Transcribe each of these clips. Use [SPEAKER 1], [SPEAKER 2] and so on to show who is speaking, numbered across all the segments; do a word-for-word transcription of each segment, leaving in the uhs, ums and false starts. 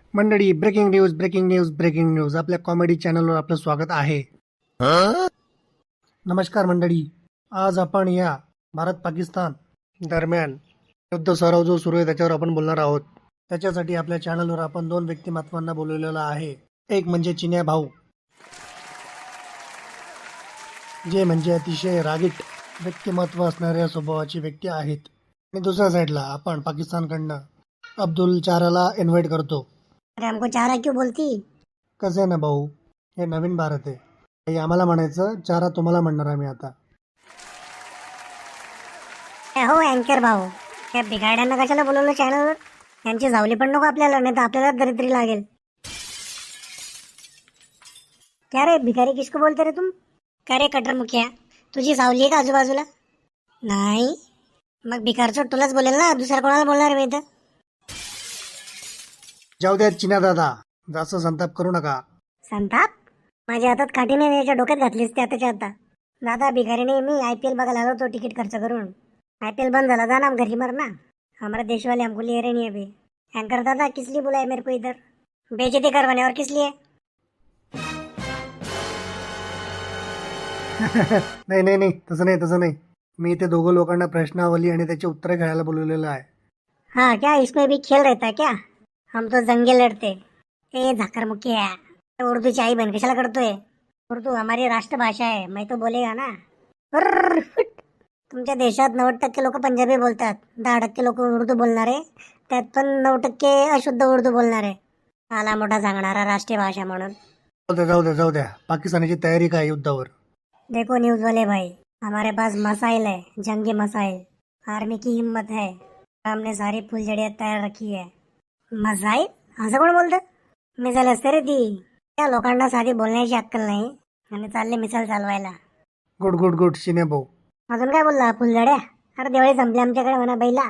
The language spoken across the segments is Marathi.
[SPEAKER 1] मंडळी, breaking news breaking news breaking news आपल्या कॉमेडी चॅनलवर आपलं स्वागत आहे. नमस्कार मंडळी, आज आपण या भारत पाकिस्तान दरम्यान युद्ध सराव जो सुरू आहे त्याच्यावर आपण बोलणार आहोत. त्याच्यासाठी आपल्या चॅनलवर आपण दोन व्यक्तिमत्वांना बोलवलेलं आहे. एक म्हणजे चिन्या भाऊ, जे म्हणजे अतिशय रागीट व्यक्तिमत्व असणाऱ्या स्वभावाची व्यक्ती आहेत. आणि दुसऱ्या साईडला आपण पाकिस्तानकडनं अब्दुल चाराला इन्व्हाइट करतो.
[SPEAKER 2] अरे हमको चारा क्यों बोलती?
[SPEAKER 1] कसं आहे ना भाऊ, हे नवीन भारत आहे. हे आम्हाला म्हणायचं, चारा तुम्हाला म्हणणार आम्ही आता.
[SPEAKER 2] ए हो अँकर भाऊ, त्या बिघाड्यांना कशाला बोलवलं चॅनलवर? त्यांची जावली पण नको आपल्याला, नाही तर आपल्याला दरिद्री लागेल. क्या रे भिकारी, किसको बोलते रे तुम? का रे कटर मुखिया, तुझी सावली आहे का आजूबाजूला? नाही, मग भिकारचोट तुलाच बोलेल ना, दुसऱ्या कोणाला बोलणार मी इथं?
[SPEAKER 1] जाऊ द्या चिन्या दादा, जास्त संताप करू नका.
[SPEAKER 2] संताप? माझ्या हातात काठीने याच्या डोक्यात घातलीस ते आताच्या आता. दादा भिकारीने मी आय पी एल बघायला आलो तो तिकीट खर्च करून. आय पी एल बंद झाला, जाना हम घरी मरना. हमारा देश वाले हमको ले रहे नहीं अभी. एंकर दादा किस लिए बुलाए मेरे को इधर? बेइज्जती करवाने, और किस लिए?
[SPEAKER 1] नाही नाही नाही तसं नाही तसं नाही मी इथे दोघं लोकांना प्रश्नावली आणि त्याची उत्तरे घ्यायला बोलवलेलं आहे.
[SPEAKER 2] हाँ क्या इसमें भी खेल रहता है क्या? हम तो जंगे लड़ते. ए झाकर मुखिया, उर्दू ची आई बहन कशाला करतोय? उर्दू हमारी राष्ट्रभाषा है, मैं तो बोलेगा ना. अर्र, फुट. तुमच्या देशात नव्वद टक्के लोक पंजाबी बोलतात, दहा टक्के लोक उर्दू बोलणारे, त्यात पण नऊ टक्के अशुद्ध उर्दू बोलणारे. आला मोठा सांगणारा राष्ट्रीय भाषा म्हणून.
[SPEAKER 1] जाऊ द्या जाऊ द्या जाऊ द्या पाकिस्तानाची तयारी काय युद्धावर?
[SPEAKER 2] देखो न्यूज वाले भाई, हमारे पास मसाइल है, जंगी मसाइल. आर्मी की हिम्मत है, हमने सारी फुलझड़ियाँ तयार रखी है. मसाइल? असं कोण बोलतं? मिसाईल असते रे ती. त्या लोकांना साधी बोलण्याची अक्कल नाही आणि चालले मिसाईल चालवायला.
[SPEAKER 1] गुड गुड गुड चिन्या भाऊ.
[SPEAKER 2] अजून काय बोलला? फुलझड्या? अरे दिवाळी संपली आमच्याकडे म्हणा बैला.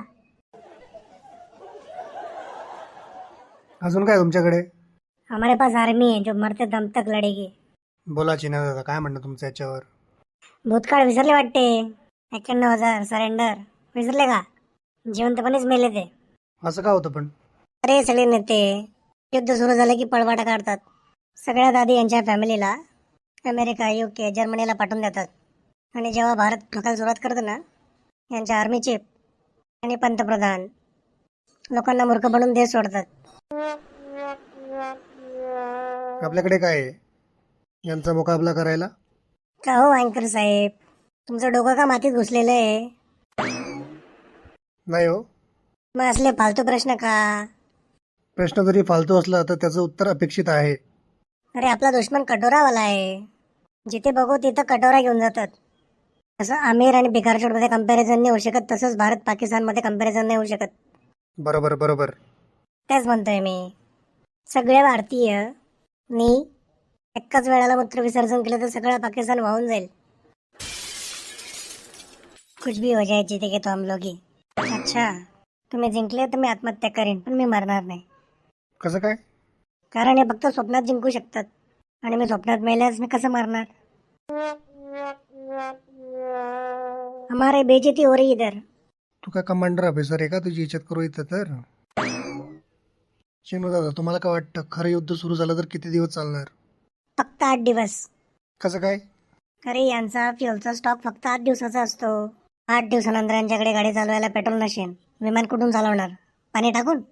[SPEAKER 1] अजून काय तुमच्याकडे?
[SPEAKER 2] हमारे पास आर्मी है जो मरते दम तक लढेगी.
[SPEAKER 1] बोला चिन्या दादा, काय म्हणणं तुमचं याच्यावर?
[SPEAKER 2] भूतकाळ विसरले वाटते. एक्क्याण्णव हजार सरेंडर विसरले का? जिवंतपणेच मेले ते.
[SPEAKER 1] असं का होतं पण?
[SPEAKER 2] अरे सगळे नेते युद्ध सुरू झालं की पळवाटा काढतात. सगळ्यात आधी यांच्या फॅमिलीला अमेरिका, युके, जर्मनीला पाठवून देतात. आणि जेव्हा भारत ठोकायला सुरुवात करतो ना, यांच्या आर्मी चीफ आणि पंतप्रधान लोकांना मूर्ख बनवून देश सोडतात.
[SPEAKER 1] आपल्याकडे काय आहे यांचा मुकाबला करायला?
[SPEAKER 2] का हो अँकर साहेब, तुमचं डोकं का मातीत घुसलेलं आहे?
[SPEAKER 1] नाही हो,
[SPEAKER 2] मग असले फालतू प्रश्न का?
[SPEAKER 1] प्रश्न जरी फालतू असला तर त्याचं उत्तर अपेक्षित आहे.
[SPEAKER 2] अरे आपला दुश्मन कटोरावाला आहे, जिथे बघू तिथं कटोरा घेऊन जातात. असं आमिर आणि बिकारचोडमध्ये कंपॅरिझन नाही होऊ शकत, तसंच भारत पाकिस्तानमध्ये कंपॅरिझन नाही होऊ शकत.
[SPEAKER 1] बरोबर बरोबर.
[SPEAKER 2] तेच म्हणतोय मी. सगळे भारतीय नी एकाच वेळेला मूत्र विसर्जन केलं तर सगळं पाकिस्तान वाहून जाईल. कुछ भी हो जाए जीते तो हम लोग ही. अच्छा, तुम्ही जिंकले तर मी आत्महत्या करेन, पण मी मरणार नाही.
[SPEAKER 1] कसं काय?
[SPEAKER 2] कारण हे फक्त स्वप्नात जिंकू शकतात आणि मी स्वप्नात मेल्यास मी कसं मरणार? हमारे बेइज्जती हो रही इधर.
[SPEAKER 1] तू काय कमांडर ऑफिसर आहे का? तुझी इज्जत करू इथं तर? चिनू दादा, तुम्हाला काय वाटतं खरं युद्ध सुरू झालं तर किती दिवस चालणार?
[SPEAKER 2] फक्त आठ दिवस.
[SPEAKER 1] कसं काय?
[SPEAKER 2] अरे यांचा फ्युलचा स्टॉक फक्त आठ दिवसाचा असतो. आठ दिवसानंतर यांच्याकडे गाडी चालवायला पेट्रोल नसेल, विमान कुठून चालवणार? पाणी टाकून?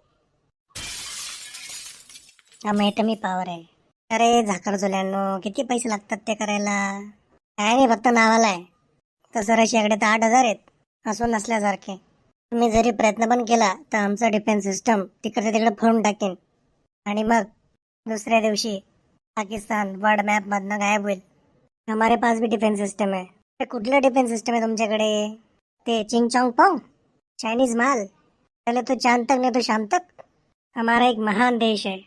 [SPEAKER 2] हा एटमी पॉवर आहे. अरे झाकर जुल्यांनो, किती पैसे लागतात ते करायला? काय नाही, फक्त नावाला आहे. तसं रशियाकडे तर आठ हजार आहेत, असून नसल्यासारखे. तुम्ही जरी प्रयत्न पण केला तर आमचं डिफेन्स सिस्टम तिकडे तिकडे फोडून टाकेन आणि मग दुसऱ्या दिवशी पाकिस्तान वर्ल्ड मॅपमधनं गायब होईल. हमारे पास भी डिफेन्स सिस्टम है. ते कुठलं डिफेन्स सिस्टम आहे तुमच्याकडे? ते चिंग चॉंग पोंग चायनीज माल. पहले तो चांद तक नहीं तो शाम तक. हमारा एक महान देश है.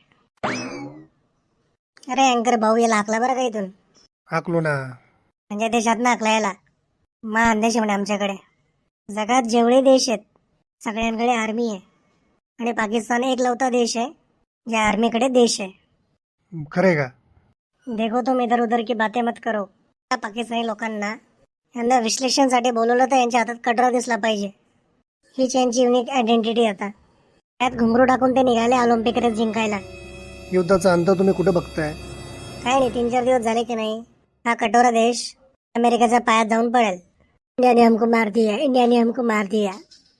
[SPEAKER 2] अरे अँकर भाऊ, याला हाकला बरं का इथून.
[SPEAKER 1] हाकलो ना.
[SPEAKER 2] म्हणजे देशात ना हाकला याला. महान देश आहे म्हणे आमच्याकडे. जगात जेवढे देश आहेत सगळ्यांकडे आर्मी आहे आणि पाकिस्तान एक लवता देश आहे ज्या आर्मीकडे देश आहे.
[SPEAKER 1] खरे का?
[SPEAKER 2] देखो तुम इधर उधर की बातें मत करो. त्या पाकिस्तानी लोकांना यांना विश्लेषणसाठी बोलवलं तर यांच्या हातात कटोरा दिसला पाहिजे. हीच यांची युनिक आयडेंटिटी आता. त्यात घुंगरू टाकून ते निघाले ऑलिम्पिक रेस जिंकायला.
[SPEAKER 1] युद्धाचा अंत तुम्ही कुठे बघताय?
[SPEAKER 2] काय नाही, तीन चार दिवस झाले की नाही हा कटोरा देश अमेरिकेच्या पायात जाऊन पडेल. इंडिया ने हमको मार दिया, इंडिया ने हमको मार दिया.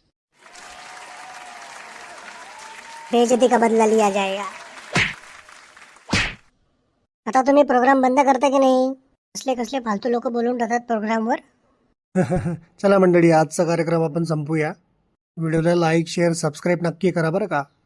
[SPEAKER 2] बेइज्जती का बदला लिया जाएगा. आता तुम्ही प्रोग्राम बंद करता की नाही? कसले कसले फालतू लोक बोलून राहतात प्रोग्रामवर.
[SPEAKER 1] चला मंडळी, आजचा कार्यक्रम आपण संपूया. व्हिडिओला लाईक शेअर सबस्क्राईब नक्की करा बरं का.